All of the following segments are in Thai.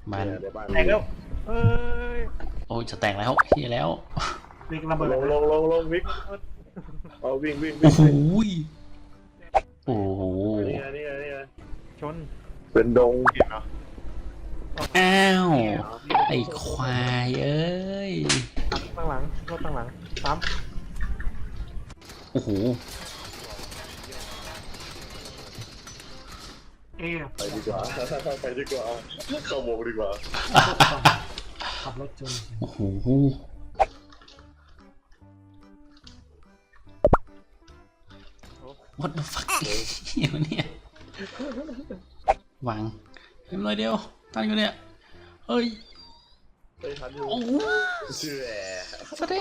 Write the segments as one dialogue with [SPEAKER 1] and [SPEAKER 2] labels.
[SPEAKER 1] มัน
[SPEAKER 2] แตกแล้วเอ้ย
[SPEAKER 1] โอ้ยจะแตกแล้วเฮียแล้ว
[SPEAKER 2] วิ่งระเบิด
[SPEAKER 3] ลงวิ่งเอาวิ่ง
[SPEAKER 1] โอ้โหโอ้โห
[SPEAKER 3] นี่ไง
[SPEAKER 2] ชน
[SPEAKER 3] เป็นดง
[SPEAKER 1] อ้าวไอ้ควายเอ้ย
[SPEAKER 2] ตั้งหลังรถตั้งหลังซ้
[SPEAKER 1] โอ้โห
[SPEAKER 2] ำ
[SPEAKER 3] ไปดีกว่าเข้าวงดีกว่า
[SPEAKER 2] ขับรถชน
[SPEAKER 1] โอ้โห what the fuck เหี้ยวะเนี่ยวางเห็นเลยเดียวตั้งอยู่เนี่ยเอ้ย
[SPEAKER 3] ไปทันอยู่
[SPEAKER 1] โอ้โห
[SPEAKER 3] เชื่อ
[SPEAKER 1] สวัสดี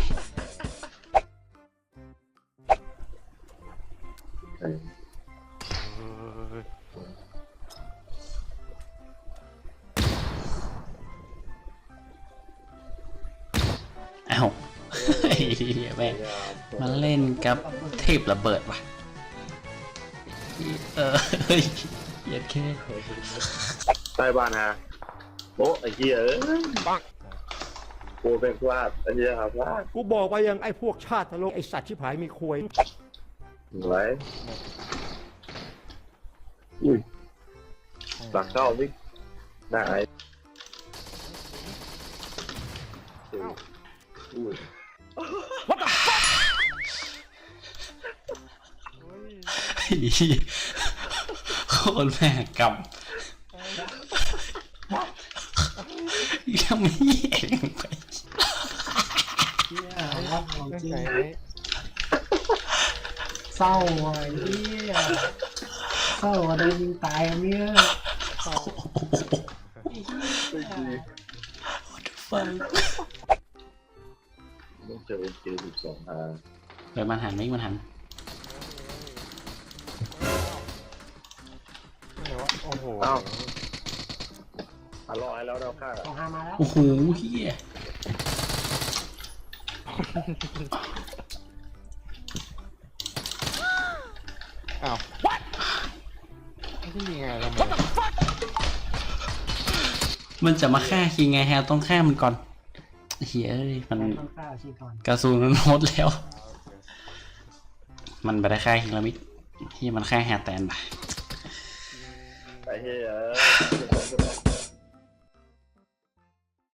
[SPEAKER 1] อ้าวไอ้เหี้ยแม่งมาเล่นกับเทพระเบิดว่ะเฮ้ยเหยียดแค่
[SPEAKER 3] ใต้บ้านฮะโอ้ไอ้เหี้ยปังโอ้เป็นพลาดไอ้เหี้ยครับพลาด
[SPEAKER 4] กูบอกไปยังไอ้พวกชาติทะลกไอ้สัตว์ชิบหายมีควย
[SPEAKER 3] ไหวอุ้ยหลักเข้าวิ่งหน้าไอ้อุ้ย
[SPEAKER 1] โคตรแม่กำยังไม่แย่งไป
[SPEAKER 2] เฮียวัดของจริงเศร้าอ่ะเฮียเศร้าอะโดนยิงตายอันเนี้ย
[SPEAKER 1] ฟัง
[SPEAKER 3] ต้องเจอเกม12
[SPEAKER 1] เดี๋ยวมันหันไม่มันหัน
[SPEAKER 2] โอ้โห
[SPEAKER 3] อ้าวรอให้แล้วเราฆ่า
[SPEAKER 2] สองห้ามาแล้ว
[SPEAKER 1] โอ้โหเฮีย
[SPEAKER 4] อ้าวนี่ยังไงเรา
[SPEAKER 1] มันจะมาฆ่าคิงไงแฮะต้องฆ่ามันก่อนเฮียเอ้ยมัน
[SPEAKER 2] ต้องฆ่าชีก่อน
[SPEAKER 1] กระสุนมันหมดแล้ว มันไปได้ฆ่าคิงแล้วมิเฮียมันฆ่าแฮะแตนไป
[SPEAKER 3] ไอ้เหี้ย